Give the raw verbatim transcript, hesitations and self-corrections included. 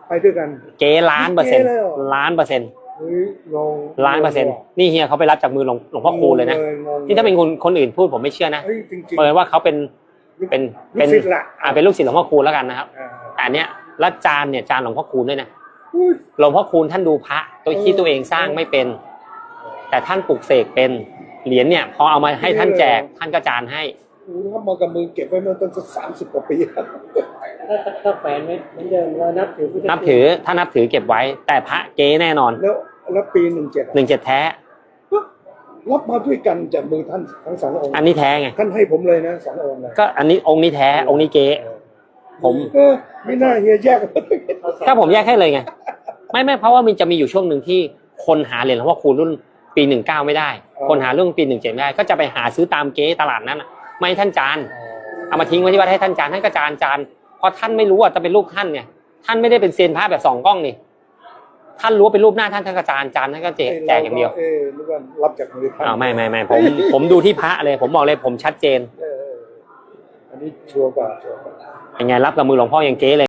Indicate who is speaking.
Speaker 1: ไปด้วยกัน
Speaker 2: เก๊ล้านเปอร์เซ็นต์ล้านเปอร์เซ็นต์ล้านเปอร์เซ็นต์นี่เฮียเขาไปรับจากมือหลวงหลวงพ่อคูณเลยนะที่ถ้าเป็นคนคนอื่นพูดผมไม่เชื่อนะเปิดว่าเขาเป็นเป็นเป็นอ่าเป็นลูกศิษย์หลวงพ่อคูณแล้วกันนะครับแต่อันเนี้ยแล้วจานเนี่ยจานหลวงพ่อคูณด้วยนะหลวงพ่อคูณท่านดูพระตัวที่ตัวเองสร้างไม่เป็นแต่ท่านปลุกเสกเป็นเหรียญเนี่ยพอเอามาให้ท่านแจกท่านก็จานให้
Speaker 1: ทำมากับมือเก็บไว้เมื่อตั้งสามสิบกว่าปี
Speaker 3: ถ้าแฝงไม่เหมือนเดิมเรานับถือ
Speaker 2: นับถือถ้านับถือเก็บไว้แต่พระเก๊แน่นอน
Speaker 1: แล้วแล้วปีหนึ่งเจ็ด
Speaker 2: หนึ่งเจ็ดแท้
Speaker 1: รับมาด้วยกันจากมือท่านทั้งสององค์
Speaker 2: อันนี้แท้ไง
Speaker 1: ท่านให้ผมเลยนะสององค์เลย
Speaker 2: ก็อันนี้องค์นี้แท้องค์นี้เก๊ผม
Speaker 1: ไม่น่าเฮียแยก
Speaker 2: ถ้าผมแยกให้เลยไงไม่ไม่เพราะว่ามันจะมีอยู่ช่วงหนึ่งที่คนหาเหรียญหลวงพ่อคูณรุ่นปีหนึ่งเก้าไม่ได้คนหาเรื่องปีหนึ่งเจ็ดไม่ได้ก็จะไปหาซื้อตามเก๊ตลาดนั้นไม่ให้ท่านจานเอามาทิ้งไว้ที่วัดให้ท่านจานท่านก็จานจานเพราะท่านไม่รู้ว่าจะเป็นรูปท่านเนี่ยท่านไม่ได้เป็นเซียนพระแบบสองกล้องนี่ท่านรู้ว่าเป็นรูปหน้าท่านท่านก็จานจานท่านก็แจกแจกอย่างเดียว
Speaker 1: เออรู้ว่ารับจากมือท่าน
Speaker 2: อ้าวไม่ไม่ไม่ผมผมดูที่พระเลยผมบอกเลยผมชัดเจน
Speaker 1: อันนี้ชัวร์กว่าชัวร์กว่า
Speaker 2: ยังไงรับกับมือหลวงพ่อยังเก๊เลย